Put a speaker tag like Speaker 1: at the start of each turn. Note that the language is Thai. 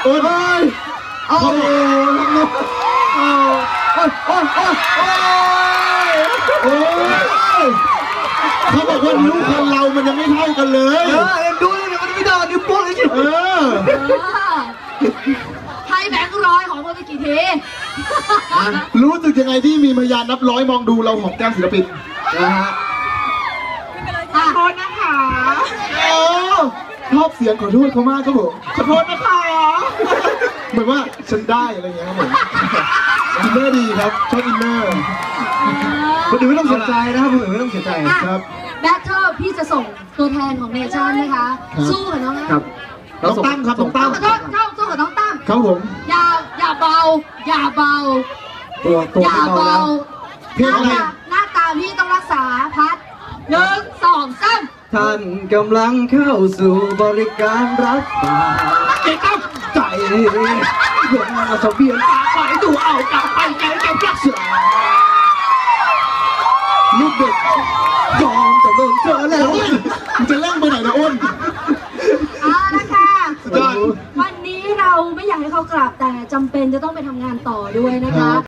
Speaker 1: โอ้ยโอ้โหน้ำนกโอ้ยเขาบอกว่านิ้วคนเรามันยังไม่เท่ากันเลย
Speaker 2: ดูเลยมันไม่ได้นิ้วโป้งเลยสิ
Speaker 3: ให้แบงค์ร้อยของมันไปกี่ที
Speaker 1: รู้สึกยังไงที่มีพยานนับร้อยมองดูเราหอมแก้มศิลปินนะฮะ
Speaker 3: ขอโทษนะคะ
Speaker 1: ชอบเสียงขอโทษเขามากครับผมขอโทษนะคะเหมือนว่าฉันได้อะไรอย่างเงี้ยครับผมอินเนอร์ดีครับชอบอินเนอร์คนอื่นไม่ต้องเสียใจนะครับคนอื่นไม่ต้องเสียใจครับ
Speaker 3: แบทเทิลพี่จะส่งตัวแทนของเนชั่นนะคะสู้กับน้อง
Speaker 1: ครับน้องตั้มครับน้องตั้ม
Speaker 3: ขอโทษสู้กับน้องตั้ม
Speaker 1: ครับผม
Speaker 3: อย่าเบาอย่าเบา
Speaker 1: อย่าเบา
Speaker 3: เพลงอะไรหน้าตาพี่ต้องรักษาพัด1 2 3
Speaker 2: ท่านกำลังเข้าสู่บริการรักษาใจเพื่อนมาสเบียนปากไปตัวเอากลับไปแกรักษาลูกเด็กยอมจะเลิกเธอแล้ว
Speaker 1: มันจะเล่นไปไหนนะอ้น
Speaker 3: นะคะวันนี้เราไม่อยากให้เขากลับแต่จำเป็นจะต้องไปทำงานต่อด้วยนะคะ